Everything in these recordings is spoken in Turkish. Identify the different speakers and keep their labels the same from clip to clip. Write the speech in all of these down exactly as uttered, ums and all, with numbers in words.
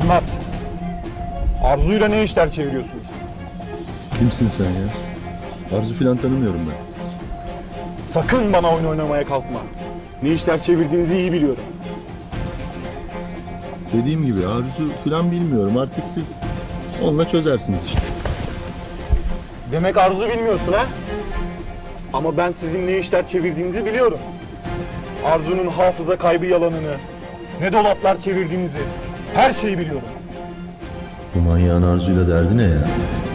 Speaker 1: Anlat. Arzu'yla ne işler çeviriyorsunuz?
Speaker 2: Kimsin sen ya? Arzu filan tanımıyorum ben.
Speaker 1: Sakın bana oyun oynamaya kalkma. Ne işler çevirdiğinizi iyi biliyorum.
Speaker 2: Dediğim gibi Arzu filan bilmiyorum. Artık siz onunla çözersiniz işte.
Speaker 1: Demek Arzu bilmiyorsun ha? Ama ben sizin ne işler çevirdiğinizi biliyorum. Arzu'nun hafıza kaybı yalanını, ne dolaplar çevirdiğinizi, her şeyi biliyorum.
Speaker 2: Bu manyağın Arzu'yla derdi ne ya?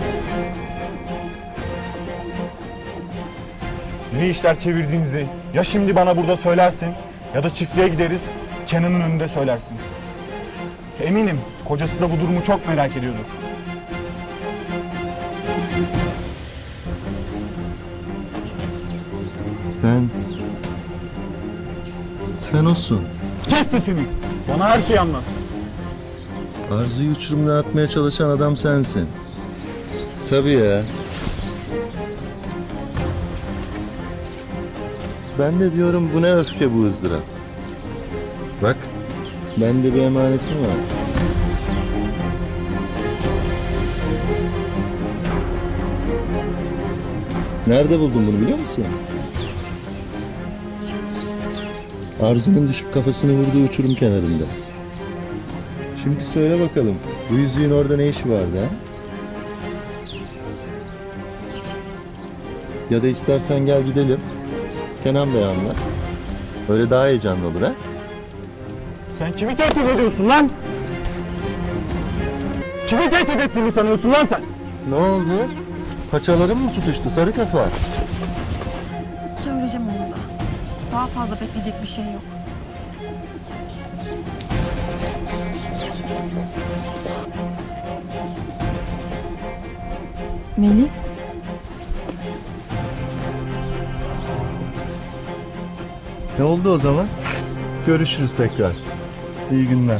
Speaker 1: Ne işler çevirdiğinizi ya şimdi bana burada söylersin ya da çiftliğe gideriz, Kenan'ın önünde söylersin. Eminim kocası da bu durumu çok merak ediyordur.
Speaker 2: Sen... Sen olsun.
Speaker 1: Kes sesini, bana her şeyi anlat.
Speaker 2: Arzu'yu uçurumdan atmaya çalışan adam sensin. Tabii ya. Ben de diyorum bu ne öfke bu ızdırap. Bak, bende bir emanetim var. Nerede buldun bunu biliyor musun? Arzu'nun düşüp kafasını vurduğu uçurum kenarında. Şimdi söyle bakalım, bu yüzüğün orada ne işi vardı ha? Ya da istersen gel gidelim. Kenan Bey anlat. Öyle daha heyecanlı olur ha?
Speaker 1: Sen kimi tehdit ediyorsun lan? Kimi tehdit ettiğini sanıyorsun lan sen?
Speaker 2: Ne oldu? Paçaların mı tutuştu sarı kafa?
Speaker 3: Söyleyeceğim onu da. Daha fazla bekleyecek bir şey yok. Melih?
Speaker 2: Ne oldu o zaman? Görüşürüz tekrar. İyi günler.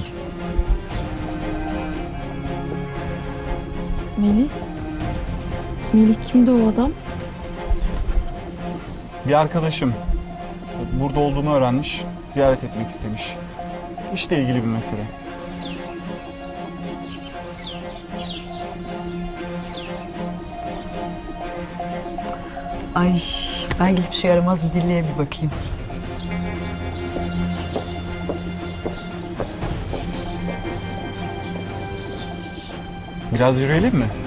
Speaker 3: Melih? Melih kimdi o adam?
Speaker 1: Bir arkadaşım burada olduğumu öğrenmiş, ziyaret etmek istemiş. İşle ilgili bir mesele.
Speaker 4: Ay ben gidip şu yaramaz dilleye bir bakayım.
Speaker 1: Biraz yürüyelim mi?